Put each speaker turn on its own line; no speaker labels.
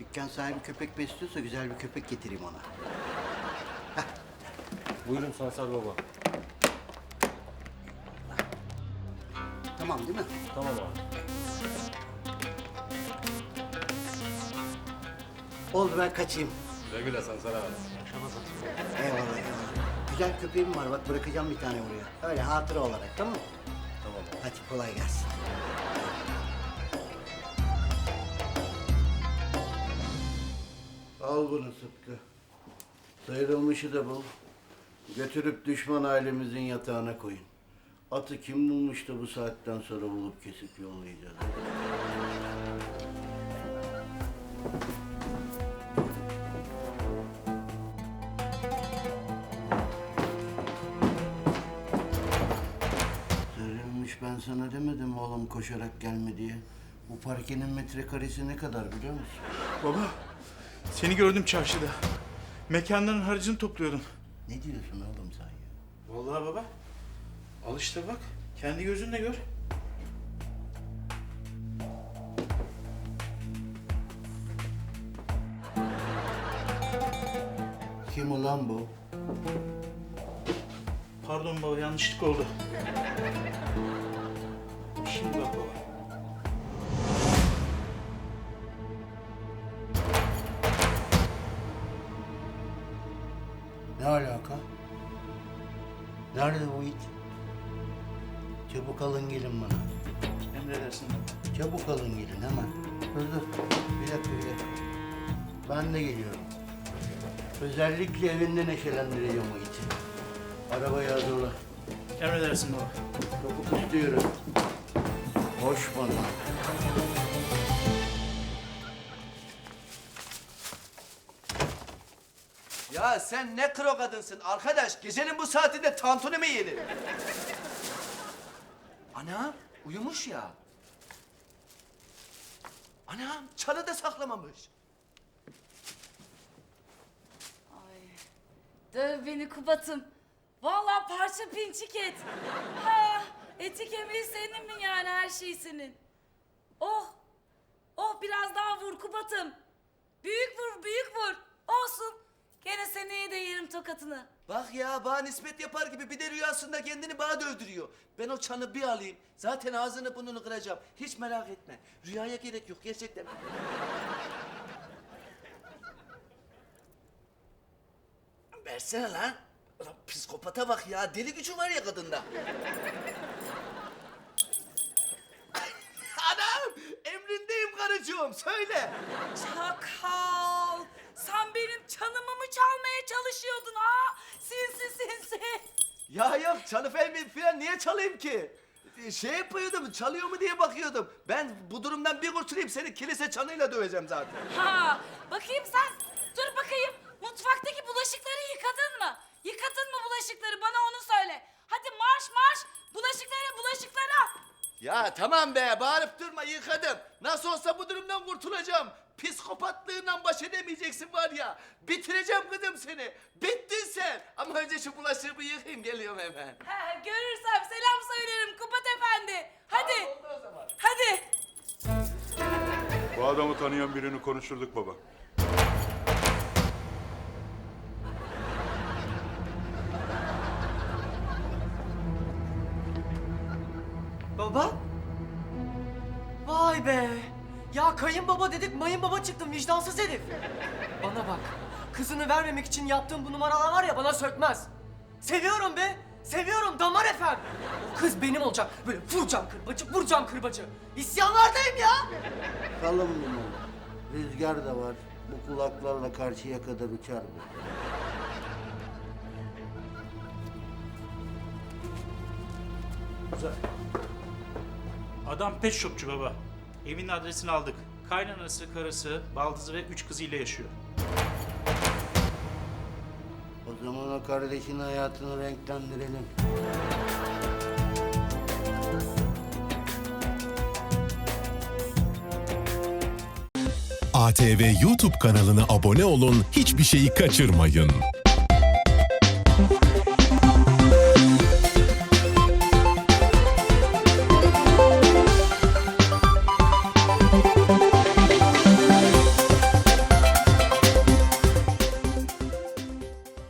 dükkan sahibi köpek besliyorsa güzel bir köpek getireyim ona.
Buyurun Sansar Baba.
Tamam değil mi?
Tamam abi.
Oldu, ben kaçayım.
Güle güle Sansar abi.
Eyvallah, eyvallah. Güzel köpeğim var, bak bırakacağım bir tane buraya. Öyle hatıra olarak, tamam mı?
Tamam abi.
Hadi kolay gelsin. Al bunu Sıtkı. Sıyrılmışı da bul. Götürüp düşman ailemizin yatağına koyun. Atı kim bulmuş da bu saatten sonra bulup kesip yollayacağız. Sıyrılmış, ben sana demedim oğlum koşarak gelme diye. Bu parkenin metrekaresi ne kadar biliyor musun?
Baba, seni gördüm çarşıda. Mekanların harcını topluyordun.
Ne diyorsun oğlum sen ya?
Vallahi baba, al işte bak. Kendi gözünle gör.
Kim ulan bu?
Pardon baba, yanlışlık oldu. Şimdi bak baba.
Ne alaka? Nerede bu it? Çabuk alın gelin bana.
Emredersin baba.
Çabuk alın gelin hemen. Dur. Bir dakika. Ben de geliyorum. Özellikle evinde neşelendireceğim o iti. Arabayı hazırla.
Emredersin baba.
Çabuk istiyorum. Hoş bana.
Ya sen ne kro kadınsın arkadaş? Gecenin bu saatinde tantuni mi yenir? Anam uyumuş ya. Anam çalı da saklamamış.
Ay, döv beni Kubat'ım. Vallahi parça pinçik et. Ha, eti kemiği senin mi yani, her şey senin? Oh biraz daha vur Kubat'ım. Büyük vur. Olsun. Gene seneye de yerim tokatını.
Bak ya bana nispet yapar gibi bir de rüyasında kendini bana dövdürüyor. Ben o çanı bir alayım. Zaten ağzını burnunu kıracağım. Hiç merak etme. Rüyaya gerek yok gerçekten. Versene lan. Ulan psikopata bak ya. Deli gücü var ya kadında. Anam! Emrindeyim karıcığım. Söyle.
Çakal. Sen benim çanımı mı çalmaya çalışıyordun ha? Sinsi.
Ya yok çalı falan niye çalayım ki? Şey yapıyordum, çalıyor mu diye bakıyordum. Ben bu durumdan bir kurtulayım, seni kilise çanıyla döveceğim zaten.
Ha, bakayım sen. Dur bakayım. Mutfaktaki bulaşıkları yıkadın mı? Yıkadın mı bulaşıkları? Bana onu söyle. Hadi marş. Bulaşıklara.
Ya tamam be, bağırıp durma, yıkadım. Nasıl olsa bu durumdan kurtulacağım. Psikopatlığından baş edemeyeceksin var ya. Bitireceğim kızım seni. Bittin sen. Ama önce şu bulaşığı bir yıkayayım, geliyorum hemen.
Ha, görürsem selam söylerim Kubat Efendi. Hadi.
Oldu o zaman.
Hadi.
Bu adamı tanıyan birini konuşturduk baba.
Baba? Vay be! Ya kayınbaba dedik mayınbaba çıktın vicdansız herif. Bana bak. Kızını vermemek için yaptığım bu numaralar var ya bana sökmez. Seviyorum be. Seviyorum damar efem. O kız benim olacak. Böyle vuracağım kırbacı. İsyanlardayım ya.
Kalın bunu. Rüzgar da var. Bu kulaklarla karşıya kadar uçar bu.
Güzel. Adam pet shopçu baba. Evin adresini aldık. Kaynanası, karısı, baldızı ve 3 kızıyla yaşıyor.
O zaman o kardeşin hayatını renklendirelim.
ATV YouTube kanalına abone olun, hiçbir şeyi kaçırmayın.